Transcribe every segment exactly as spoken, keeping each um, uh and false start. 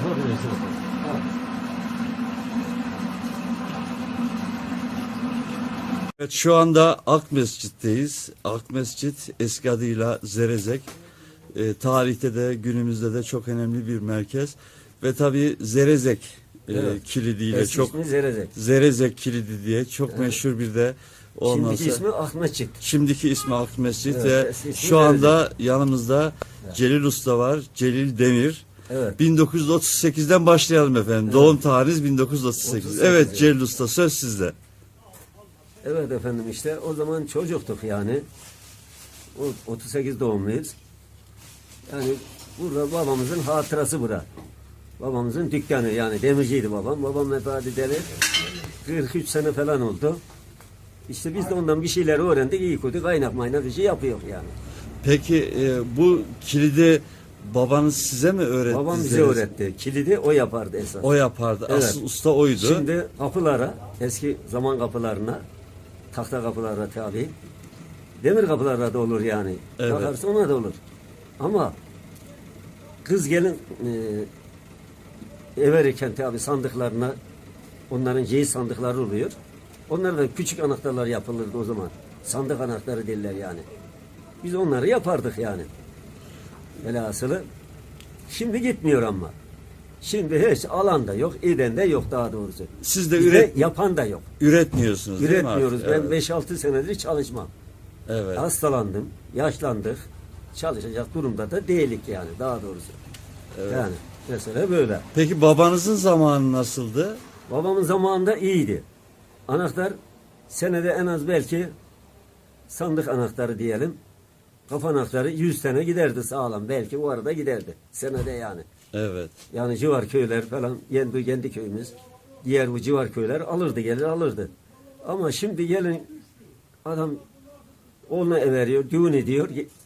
yapabilirsin. Ha. Evet, şu anda Ak Mescid'deyiz. Ak Mescid eski adıyla Zerezek. E, tarihte de günümüzde de çok önemli bir merkez. Ve tabii Zerezek e, Evet. kilidiyle Eski çok ismi Zerezek. Zerezek kilidi diye çok Evet. meşhur bir de olması. Şimdiki ismi Ahmetçik. Şimdiki ismi Ak Mescid Evet, ve eski ismi şu anda Zerezek. yanımızda Evet. Celil Usta var. Celil Demir. Evet. bin dokuz yüz otuz sekizden başlayalım efendim. Evet. Doğum tarihiniz bin dokuz yüz otuz sekiz. otuz sekiz, Evet evet. Celil Usta, söz sizde. Evet efendim, işte o zaman çocuktuk yani. O otuz sekiz doğumluyuz. Yani burada babamızın hatırası bura. Babamızın dükkanı, yani demirciydi babam. Babam vefat edeli kırk üç sene falan oldu. İşte biz de ondan bir şeyler öğrendik, iyi kötü kaynak maynak işi yapıyor yani. Peki e, bu kilidi babanız size mi öğretti? Babam bize Zerezek? öğretti. Kilidi o yapardı esas. O yapardı. Evet. Asıl usta oydu. Şimdi kapılara, eski zaman kapılarına, tahta kapılara tabi, demir kapılara da olur yani. Evet. Takarsa ona da olur. Ama kız gelin e, everirken tabi sandıklarına, onların ceyiz sandıkları oluyor. Onlardan küçük anahtarlar yapılırdı o zaman. Sandık anahtarı derler yani. Biz onları yapardık yani. Velhasılı şimdi gitmiyor ama. Şimdi hiç alan da yok, eden de yok daha doğrusu. Siz de Bizde üret, yapan da yok. üretmiyorsunuz değil mi Üretmiyoruz. artık? Ben beş altı senedir çalışmam. Evet. Hastalandım, yaşlandık. Çalışacak durumda da değilik yani daha doğrusu. Evet. Yani mesela böyle. Peki babanızın zamanı nasıldı? Babamın zamanında iyiydi. Anahtar senede en az belki sandık anahtarı diyelim. Kapı anahtarı yüz tane giderdi sağlam. Belki o arada giderdi. Senede yani. Evet. Yani civar köyler falan, kendi, kendi köyümüz, diğer bu civar köyler alırdı, gelir alırdı. Ama şimdi gelin adam oğluna everiyor, düğün ediyor.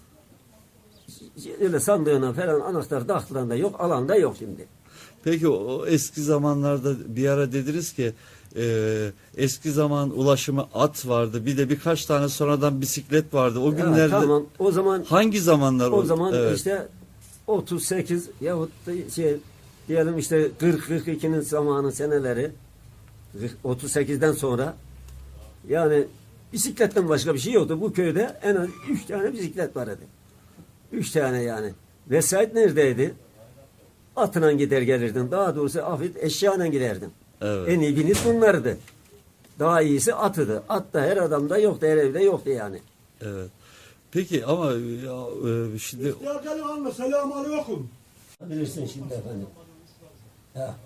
Öyle sandığına falan anahtar taktıran da yok, alan da yok şimdi. Peki o, o eski zamanlarda bir ara dediniz ki e, eski zaman ulaşımı at vardı. Bir de birkaç tane sonradan bisiklet vardı. O Ya, günlerde tamam, o zaman hangi zamanlar o zaman Evet. işte otuz sekiz yahut da şey diyelim işte kırk kırk ikinin zamanı seneleri otuz sekizden sonra yani bisikletten başka bir şey yoktu. Bu köyde en az üç tane bisiklet vardı. Üç tane yani. Vesait neredeydi? Atına gider gelirdin. Daha doğrusu afit eşyayla giderdin. Evet. En iyi biniz bunlardı. Daha iyisi atıdı. At da her adamda yoktu, her evde yoktu yani. Evet. Peki ama ya, e, şimdi Ya gelin alma, selamun aleyküm. Bilirsin şimdi efendim. Ha.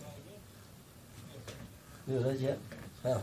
Böylece. Ha.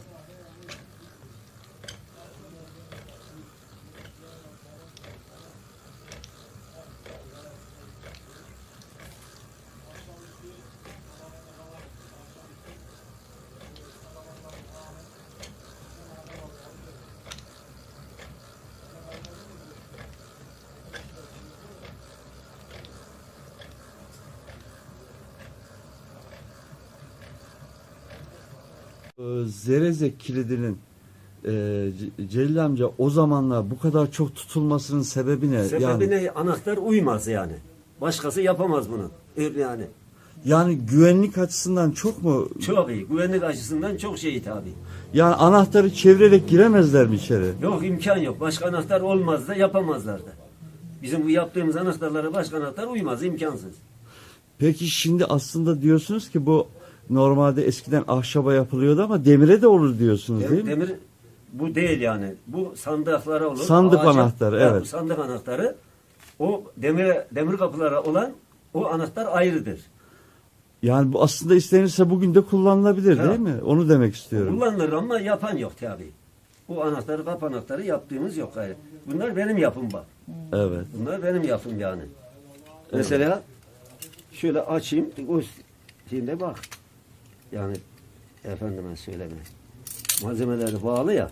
e, Zerezek kilidinin e, C- Celil amca o zamanlar bu kadar çok tutulmasının sebebi ne? Sebebi yani, ne? Anahtar uymaz yani. Başkası yapamaz bunu. Öyle yani. yani güvenlik açısından çok mu? Çok iyi. Güvenlik açısından çok şey tabi. Yani anahtarı çevirerek giremezler mi içeri? Yok, imkan yok. Başka anahtar olmaz da yapamazlar da. Bizim bu yaptığımız anahtarlara başka anahtar uymaz. İmkansız. Peki şimdi aslında diyorsunuz ki bu normalde eskiden ahşaba yapılıyordu ama demire de olur diyorsunuz değil mi? Demir bu değil yani. Bu sandıklara olur. Sandık Ağaca- anahtarı, Ha, evet. Bu sandık anahtarı. O demir demir kapılara olan o anahtar ayrıdır. Yani bu aslında istenirse bugün de kullanılabilir Ha. değil mi? Onu demek istiyorum. Kullanılır ama yapan yok tabi. Bu anahtarı, kapı anahtarı yaptığımız yok gayrı. Bunlar benim yapım bak. Evet. Bunlar benim yapım yani. Mesela şöyle açayım. O şimdi bak. Yani efendime söyleme. Malzemeleri bağlı ya.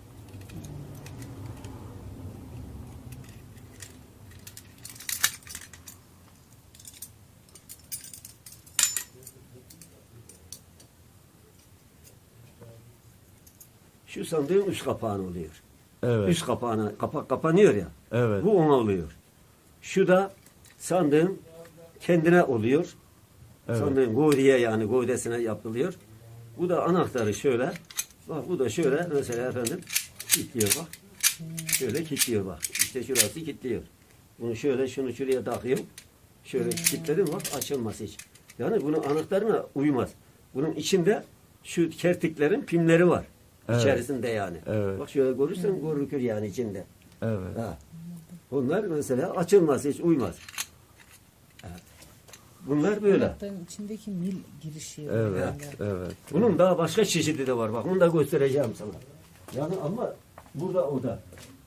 Şu sandığın üst kapağını oluyor. Evet. Üst kapağına, kapak kapanıyor ya. Evet. Bu ona oluyor. Şu da sandığın kendine oluyor. Evet. Sandığın gövdeye yani gövdesine yapılıyor. Bu da anahtarı şöyle. Bak bu da şöyle mesela efendim kilitliyor bak. Şöyle kilitliyor bak. İşte şurası kilitliyor. Bunu şöyle şunu şuraya takıyorum. Şöyle kilitledim bak açılmaz hiç. Yani bunun anahtarına uymaz. Bunun içinde şu kertiklerin pimleri var. Evet. İçerisinde yani. Evet. Bak şöyle görürsen görükür yani içinde. Evet. Ha. Bunlar mesela açılmaz hiç uymaz. Evet. Bunlar böyle. Anahtarın içindeki mil girişi. Evet. yani. Evet. Bunun daha başka çeşidi de var. Bak bunu da göstereceğim sana. Yani ama burada o da.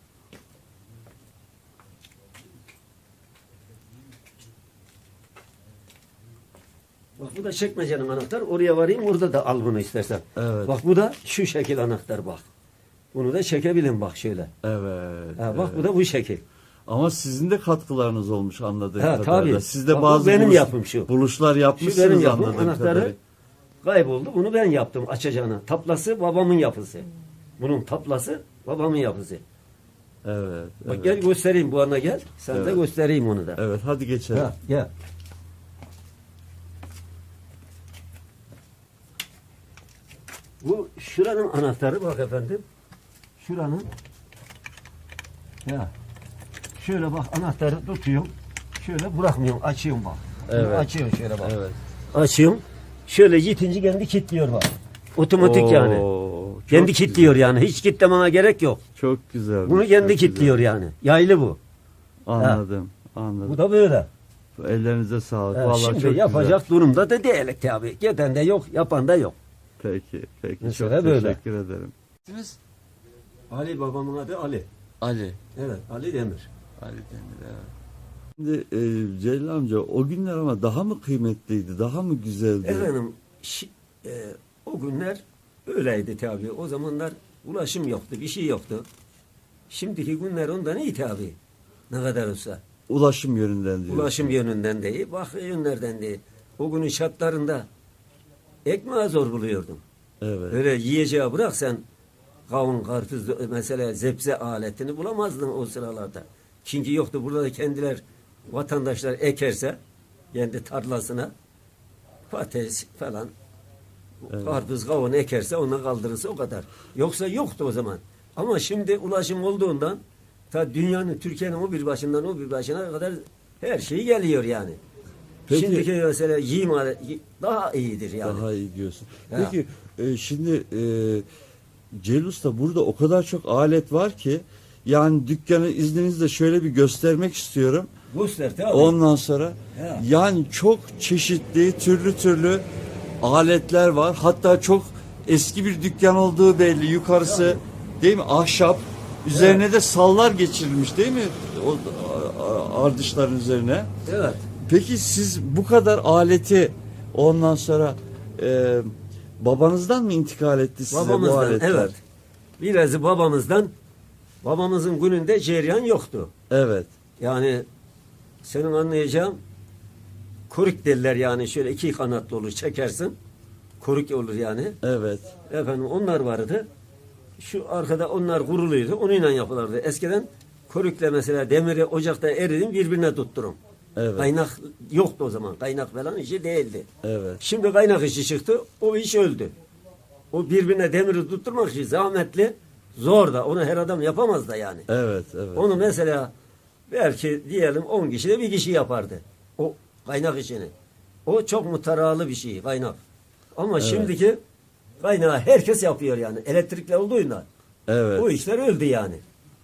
Bak bu da çekmecenin anahtar. Oraya varayım orada da al bunu istersen. Evet. Bak bu da şu şekil anahtar bak. Bunu da çekebilin bak şöyle. Evet. Ha, bak evet. bu da bu şekil. Ama sizin de katkılarınız olmuş anladığım Ha, kadarıyla. tabii. Siz de Bak, bu bazı benim buluş- yapım şu. buluşlar Şu yapmışsınız benim yapım anladığım anahtarı kadarıyla. kayboldu. Bunu ben yaptım açacağına. Taplası babamın yapısı. Bunun taplası babamın yapısı. Evet. Bak Evet. gel göstereyim bu ana gel. Sen de Evet. göstereyim onu da. Evet, hadi geçelim. Ha, gel. Bu şuranın anahtarı bak efendim. Şuranın ya şöyle bak anahtarı tutuyorum. Şöyle bırakmıyorum. Açıyorum bak. Bunu Evet. Açıyorum şöyle bak. Evet. Açıyorum. Şöyle yitince kendi kilitliyor bak. Otomatik yani. Oo, çok Kendi güzel. kilitliyor yani. Hiç kilitlemene gerek yok. Çok güzel. Bunu kendi kilitliyor yani. Yaylı bu. Anladım. Anladım. Bu da böyle. Ellerinize sağlık. Ha, Vallahi şimdi çok yapacak güzel. durumda da değil tabii. Giden de yok, yapan da yok. Peki. Peki. Mesela çok böyle. teşekkür ederim. Ali babamın adı Ali. Ali. Evet, Ali Demir. Ali Demir, evet. Şimdi e, Celil amca o günler ama daha mı kıymetliydi, daha mı güzeldi? Efendim, şi- e, o günler öyleydi tabii. O zamanlar ulaşım yoktu, bir şey yoktu. Şimdiki günler ondan iyi tabii. Ne kadar olsa. Ulaşım yönünden diyor. Ulaşım yönünden de iyi, bak yönlerden de iyi. O günün şartlarında ekmeği zor buluyordum. Evet. Öyle yiyeceği bırak sen kavun, karpuz, mesela zebze aletini bulamazdın o sıralarda. Çünkü yoktu. Burada da kendiler vatandaşlar ekerse kendi tarlasına patates falan Evet. karpuz, kavun ekerse ona kaldırırsa o kadar. Yoksa yoktu o zaman. Ama şimdi ulaşım olduğundan ta dünyanın, Türkiye'nin o bir başından o bir başına kadar her şey geliyor yani. Peki- Şimdiki mesela yiyim alet- daha iyidir yani. Daha iyi diyorsun. Ya. Peki e, şimdi e, Celil Usta burada o kadar çok alet var ki yani dükkanı izninizle şöyle bir göstermek istiyorum. Göster tabii. Ondan sonra Ya. yani çok çeşitli türlü türlü aletler var. Hatta çok eski bir dükkan olduğu belli. Yukarısı değil mi? Ahşap. Üzerine de sallar geçirilmiş değil mi? O a- a- ardışların üzerine. Evet. Peki siz bu kadar aleti ondan sonra e, babanızdan mı intikal etti size bu Babamızdan, aletler? evet. Birazı babamızdan, babamızın gününde cereyan yoktu. Evet. Yani senin anlayacağın koruk derler yani şöyle iki kanatlı olur çekersin. Koruk olur yani. Evet. Efendim onlar vardı. Şu arkada onlar kuruluydu. Onunla yapılırdı. Eskiden korukla mesela demiri ocakta eridim birbirine tutturum. Evet. Kaynak yoktu o zaman. Kaynak falan işi değildi. Evet. Şimdi kaynak işi çıktı. O iş öldü. O birbirine demiri tutturmak için zahmetli, zor da. Onu her adam yapamaz da yani. Evet. Evet. Onu mesela belki diyelim on kişi de bir kişi yapardı. O kaynak işini. O çok mutaralı bir şey kaynak. Ama şimdiki kaynağı herkes yapıyor yani. Elektrikle olduğunda. Evet. O işler öldü yani.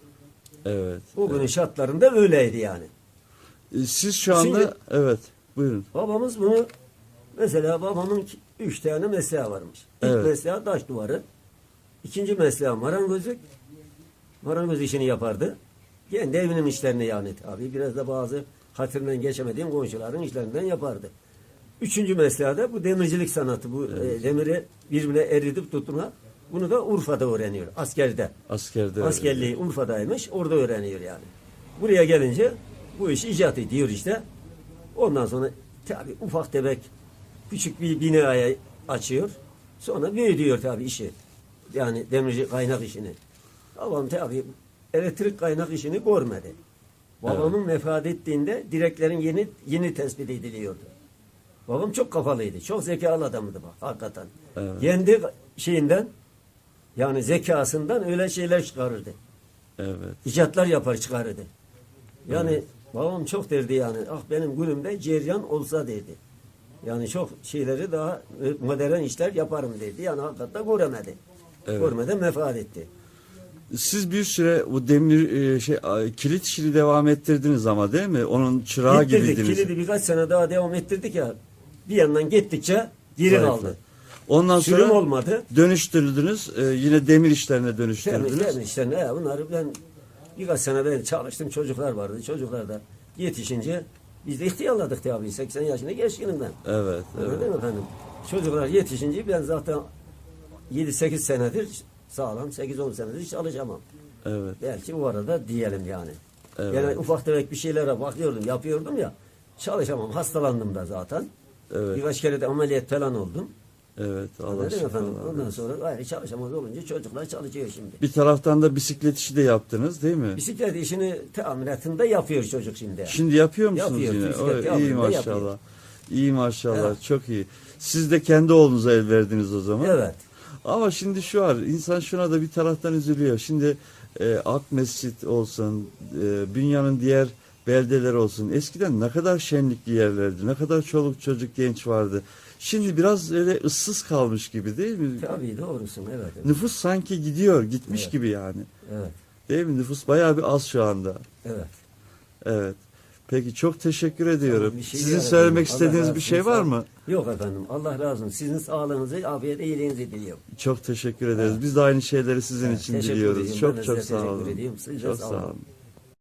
Evet. O günün şartlarında öyleydi yani. E, Siz şu anda Şimdi- evet. Buyurun. Babamız bunu mesela babamın ki- üç tane mesleği varmış. İlk Evet. mesleği taş duvarı. İkinci mesleği marangozluk. Marangoz işini yapardı. Kendi evinin işlerini yani tabii. Biraz da bazı hatırından geçemediğim komşuların işlerinden yapardı. Üçüncü mesleği de bu demircilik sanatı. Bu e, demiri birbirine eridip tutma. Bunu da Urfa'da öğreniyor. Askerde. Askerde. Askerliği Urfa'daymış. Orada öğreniyor yani. Buraya gelince bu iş icat ediyor işte. Ondan sonra tabii ufak tefek küçük bir binaya açıyor. Sonra büyütüyor tabii işi. Yani demirci kaynak işini. Babam tabii elektrik kaynak işini görmedi. Babamın vefat ettiğinde direklerin yeni yeni tespit ediliyordu. Babam çok kafalıydı. Çok zekalı adamdı bak hakikaten. Evet. Kendi şeyinden yani zekasından öyle şeyler çıkarırdı. Evet. İcatlar yapar çıkarırdı. Yani babam çok derdi yani. Ah benim günümde ceryan olsa derdi. Yani çok şeyleri daha modern işler yaparım dedi. Yani hakikaten göremedi. Evet. Görmeden vefat etti. Siz bir süre bu demir e, şey a, kilit işini devam ettirdiniz ama değil mi? Onun çırağı Gittirdik. gibiydiniz. Kilidi birkaç sene daha devam ettirdik ya. Bir yandan gittikçe geri Zayıfladı. kaldı. Ondan Sürüm sonra olmadı. dönüştürdünüz. e, yine demir işlerine Temiz, dönüştürdünüz. temiz işte ne bunları ben birkaç sene ben çalıştım, çocuklar vardı. Çocuklar da yetişince biz de ihtiyarladık tabii. seksen yaşına geçkinim ben. Evet, Öyle evet. değil mi efendim? Çocuklar yetişince ben zaten yedi sekiz senedir sağlam, sekiz on senedir hiç çalışamam. Evet. Belki o arada diyelim yani. Evet. Yani ufak tefek bir şeylere bakıyordum, yapıyordum ya. Çalışamam, hastalandım da zaten. Evet. Birkaç kere de ameliyat falan oldum. Evet. Allah Öyle değil mi efendim? şifalar Ondan versin. sonra gayrı çalışamaz olunca çocuklar çalışıyor şimdi. Bir taraftan da bisiklet işi de yaptınız değil mi? Bisiklet işini tamiratında yapıyor çocuk şimdi. Şimdi yapıyor musunuz Yapıyor, yine? bisiklet Oy, yapıyor, iyi maşallah. yapıyor. İyi maşallah. Evet. Çok iyi. Siz de kendi oğlunuza el verdiniz o zaman. Evet. Ama şimdi şu var, insan şuna da bir taraftan üzülüyor. Şimdi e, Ak Mescit olsun, e, dünyanın diğer beldeler olsun. Eskiden ne kadar şenlikli yerlerdi, ne kadar çoluk çocuk genç vardı. Şimdi biraz öyle ıssız kalmış gibi değil mi? Tabii doğrusun evet. Evet. Nüfus sanki gidiyor, gitmiş Evet. gibi yani. Evet. Değil mi? Nüfus bayağı bir az şu anda. Evet. Evet. Peki çok teşekkür ediyorum. Tamam, bir şey Sizin yok söylemek efendim. Allah istediğiniz razı bir şey olsun. var Sağ- mı? Yok efendim. Allah razı olsun. Sizin sağlığınızı, afiyet, iyiliğinizi diliyorum. Çok teşekkür ederiz. Biz de aynı şeyleri sizin Evet, için teşekkür diliyoruz. ediyorum. Ben Çok de çok size sağ teşekkür olun. ediyorum. Siz de Çok sağ sağ olun. olun.